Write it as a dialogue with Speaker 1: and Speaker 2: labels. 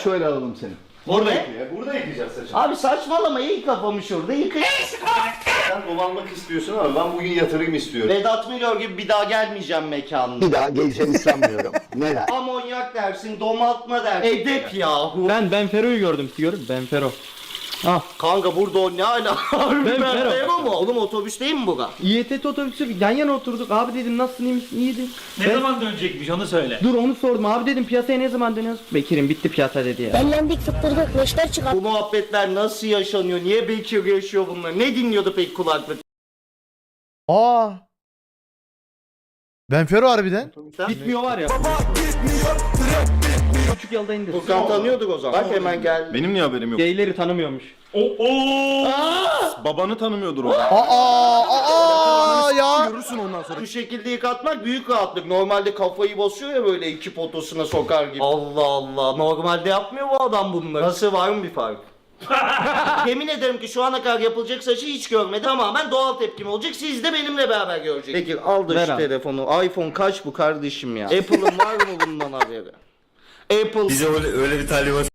Speaker 1: şöyle alalım seni.
Speaker 2: Burada
Speaker 1: Burada yıkayacağız saçını.
Speaker 2: Abi saçmalama, iyi kafamı şurada yıkayacağız.
Speaker 1: Sen dolanmak istiyorsun ama ben bugün yatırım istiyorum.
Speaker 2: Vedat Milor gibi bir daha gelmeyeceğim mekanına.
Speaker 3: Bir daha geleceğini sanmıyorum. Neden?
Speaker 2: Amonyak dersin, domaltma dersin. Edep yahu.
Speaker 4: Ben Fero'yu gördüm. Gördün Ben Fero. Ah.
Speaker 2: Kanka burada o ne ala?
Speaker 4: Ben Fero.
Speaker 2: Fero mu? Oğlum otobüs değil mi bura?
Speaker 4: İETT otobüsü yan yana oturduk. Abi dedim nasılsın, iyi misin? İyiydim.
Speaker 5: Ne zaman dönecekmiş onu söyle.
Speaker 4: Dur onu sordum. Abi dedim piyasaya ne zaman dönüyorsun? Bekir'im bitti piyasa dedi ya.
Speaker 6: Dellendik tutturduk neşter çıkar.
Speaker 2: Bu muhabbetler nasıl yaşanıyor? Niye Bekir yaşıyor bunları? Ne dinliyordu peki kulaklık?
Speaker 7: Aa. Ben Fero harbiden.
Speaker 4: Bitmiyor var ya. Küçük yolda indir.
Speaker 2: Furkan tanıyorduk o zaman. Bak hemen gel.
Speaker 8: Benim niye haberim yok?
Speaker 4: Geyleri tanımıyormuş.
Speaker 8: Babanı tanımıyordur o.
Speaker 7: Aa ya.
Speaker 8: Görürsün ondan sonra.
Speaker 2: Bu şekilde yıkatmak büyük rahatlık. Normalde kafayı basıyor ya böyle iki potosuna sokar gibi. Allah Allah. Normalde yapmıyor bu adam bunları. Nasıl, var mı bir fark? Yemin ederim ki şu ana kadar yapılacak saçı hiç görmedim. Tamamen doğal tepkim olacak. Siz de benimle beraber göreceksiniz. Peki al da
Speaker 4: Ver
Speaker 2: şu
Speaker 4: abi.
Speaker 2: telefonu. iPhone kaç bu kardeşim ya? Apple'ın var mı bundan haberi? Apple.
Speaker 8: Bize öyle bir talimat.